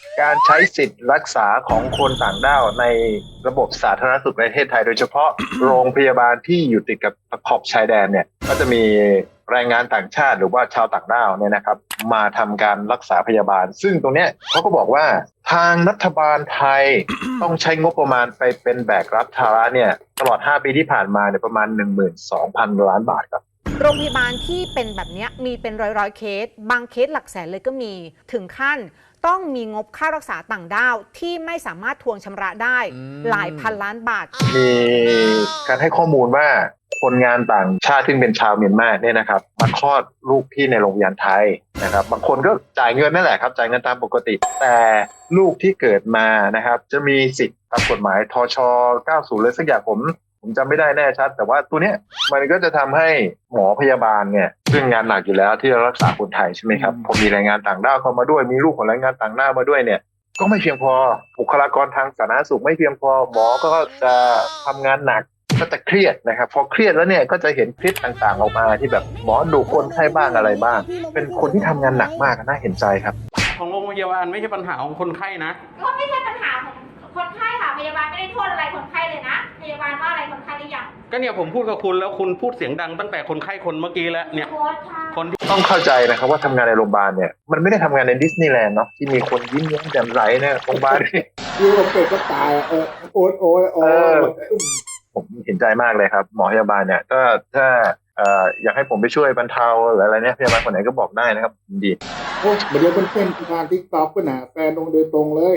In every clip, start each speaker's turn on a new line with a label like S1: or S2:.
S1: การใช้สิทธิ์รักษาของคนต่างด้าวในระบบสาธารณสุขในประเทศไทยโดยเฉพาะ โรงพยาบาลที่อยู่ติดกับขอบชายแดนเนี่ยก็จะมีแรงงานต่างชาติหรือว่าชาวต่างด้าวเนี่ยนะครับมาทำการรักษาพยาบาลซึ่งตรงเนี้ยเขาก็บอกว่าทางรัฐบาลไทย ต้องใช้งบประมาณไปเป็นแบกรับภาระเนี่ยตลอด5 ปีที่ผ่านมาเนี่ยประมาณ 12,000 ล้านบาทครับ
S2: โรงพยาบาลที่เป็นแบบนี้มีเป็นร้อยเคสบางเคสหลักแสนเลยก็มีถึงขั้นต้องมีงบค่ารักษาต่างด้าวที่ไม่สามารถทวงชำระได้หลายพันล้านบาท
S1: มีการให้ข้อมูลว่าคนงานต่างชาติซึ่งเป็นชาวเมียนมาเนี่ยนะครับมาคลอดลูกที่ในโรงพยาบาลไทยนะครับบางคนก็จ่ายเงินนั่นแหละครับจ่ายเงินตามปกติแต่ลูกที่เกิดมานะครับจะมีสิทธิ์ตามกฎหมายทช90เลยสักอย่างผมจำไม่ได้แน่ชัดแต่ว่าตัวเนี้ยมันก็จะทำให้หมอพยาบาลเนี่ยซึ่งงานหนักอยู่แล้วที่จะรักษาคนไทยใช่ไหมครับพอมีแรงงานต่างด้าวเข้ามาด้วยมีลูกของแรงงานต่างด้าวมาด้วยเนี่ยก็ไม่เพียงพอบุคลากรทางสาธารณสุขไม่เพียงพอหมอก็จะทำงานหนักก็จะเครียดนะครับพอเครียดแล้วเนี่ยก็จะเห็นคลิปต่างๆออกมาที่แบบหมอดุคนไข้บ้างอะไรบ้างเป็นคนที่ทำงานหนักมากน่าเห็นใจครับ
S3: ของโรงพยาบาลไม่ใช่ปัญหาของคนไข้นะ
S4: ก็ไม่ใช่ปัญหาของคนไข้ค่ะพยาบาลไม่ได้โทษอะไรคนไข้เลยนะพยาบาลว่าอะไรคนไข้หรือยัง
S3: ก็เนี่ยผมพูดกับคุณแล้วคุณพูดเสียงดังตั้งแต่คนไข้คนเมื่อกี้แล้วเนี่ย
S1: คนที่ต้องเข้าใจนะครับว่าทำงานในโรงพยาบาลเนี่ยมันไม่ได้ทำงานในดิสนีย์แลนด์เนาะที่มีคนยิ้มแย้มแจ่มใสเนี่ยโรงพยาบาล
S5: อยู่กับเป็ดก็ตายโอ๊ย
S1: ผมเห็นใจมากเลยครับหมอพยาบาลเนี่ยก็ถ้าอยากให้ผมไปช่วยบรรเทาหรืออะไรเนี่ยพยาบาลคนไหนก็บอกได้นะครับดี
S5: โอ้เดี๋ยวเป็นทางทิกตอกก็หนาแฟนลงโดยตรงเลย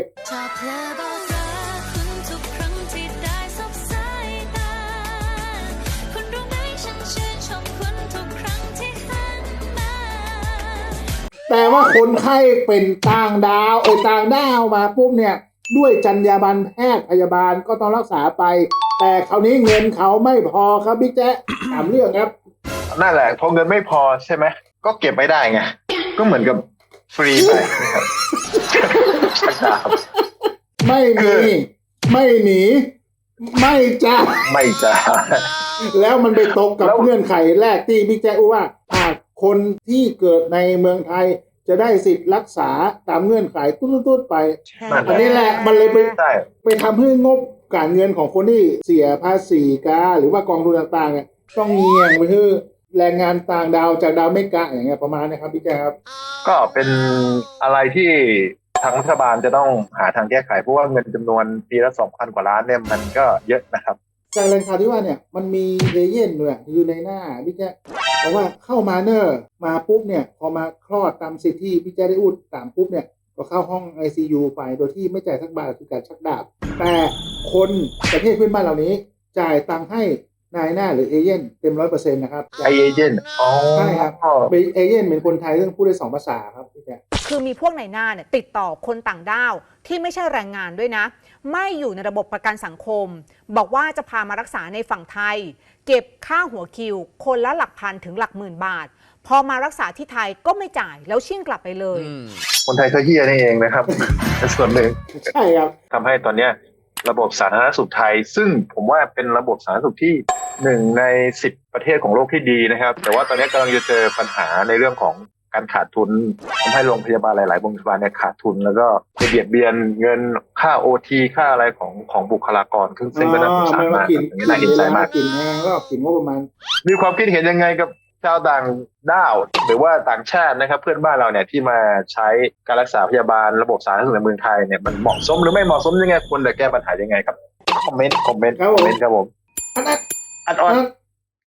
S5: แต่ว่าคนไข้เป็นต่างดาวต่างดาวมาปุ๊บเนี่ยด้วยจรรยาบรรณแพทย์พยาบาลก็ต้องรักษาไปแต่คราวนี้เงินเขาไม่พอครับบิ๊กแจ๊ถามเรื่องครับ
S1: นั่นแหละพอเงินไม่พอใช่ไหมก็เก็บไม่ได้ไงก็เหมือนกับฟรีไปนะครับ
S5: ไม่มีไม่หนีไม่จ้าแล้วมันไปตรงกับเงื่อนไขแรกที่บิ๊กแจ๊ว่าหากคนที่เกิดในเมืองไทยจะได้สิทธิ์รักษาตามเงื่อนไขตุ้ดๆไปอันนี้แหละมันเลยไปทำให้งบการเงินของคนที่เสียภาษีหรือว่ากองทุนต่างๆเนี่ยต้องเงียงไปที่แรงงานต่างดาวจากดาวเมกะอย่างเงี้ยประมาณนี้ครับพี่แจ๊ครับ
S1: ก็เป็นอะไรที่ทางรัฐบาลจะต้องหาทางแก้ไขเพราะว่าเงินจำนวนปีละ 2,000 กว่าล้านเนี่ยมันก็เยอะนะครับ
S5: จากแรงข่าวที่ว่าเนี่ยมันมีเอเย่นเนี่ยอยู่ในหน้าพี่แจ๊เพราะว่าเข้ามามาปุ๊บเนี่ยพอมาคลอดตามสิทธิที่พี่แจ๊ได้อุดตามปุ๊บเนี่ยก็เข้าห้อง ICU ไปโดยที่ไม่จ่ายสักบาทคือการชักดาบแต่คนประเทศเพื่อนบ้านเหล่านี้จ่ายตังค์ให้นายหน้าหรือเอเย่นเต็ม 100% นะครับ
S1: เอเย่น
S5: ใช่ครับเอเย่นเป็นคนไทยซึ่งพูดได้2 ภาษาครับพี่แจ๊
S2: คือมีพวกนายหน้าเนี่ยติดต่อคนต่างด้าวที่ไม่ใช่แรงงานด้วยนะไม่อยู่ในระบบประกันสังคมบอกว่าจะพามารักษาในฝั่งไทยเก็บค่าหัวคิวคนละหลักพันถึงหลักหมื่นบาทพอมารักษาที่ไทยก็ไม่จ่ายแล้วชิ่งกลับไปเลย
S1: คนไทยก็เฮี้ยนี่เองนะครับส่วนหนึ่ง
S5: ใช่ครับ
S1: ทำให้ตอนเนี้ยระบบสาธารณสุขไทยซึ่งผมว่าเป็นระบบสาธารณสุขที่1 ใน 10 ประเทศของโลกที่ดีนะครับแต่ว่าตอนนี้กำลังจะเจอปัญหาในเรื่องของการขาดทุนทำให้โรงพยาบาลหลายๆโรงพยาบาลเนี่ยขาดทุนแล้วก็ไปเบียดเบียนเงินค่า OT ค่าอะไรของบุคลากรซึ่งก็น่าสงสารมากน่าเห็นใจมาก
S5: กินแห้งแล้วกินงบประมาณ
S1: มีความคิดเห็นยังไงกับชาวต่างด้าวหรือว่าต่างชาตินะครับเพื่อนบ้านเราเนี่ยที่มาใช้การรักษาพยาบาลระบบสาธารณสุขในเมืองไทยเนี่ยมันเหมาะสมหรือไม่เหมาะสมยังไงควรจะแก้ปัญหายังไงครับคอมเมนต์ครับผม
S5: อัด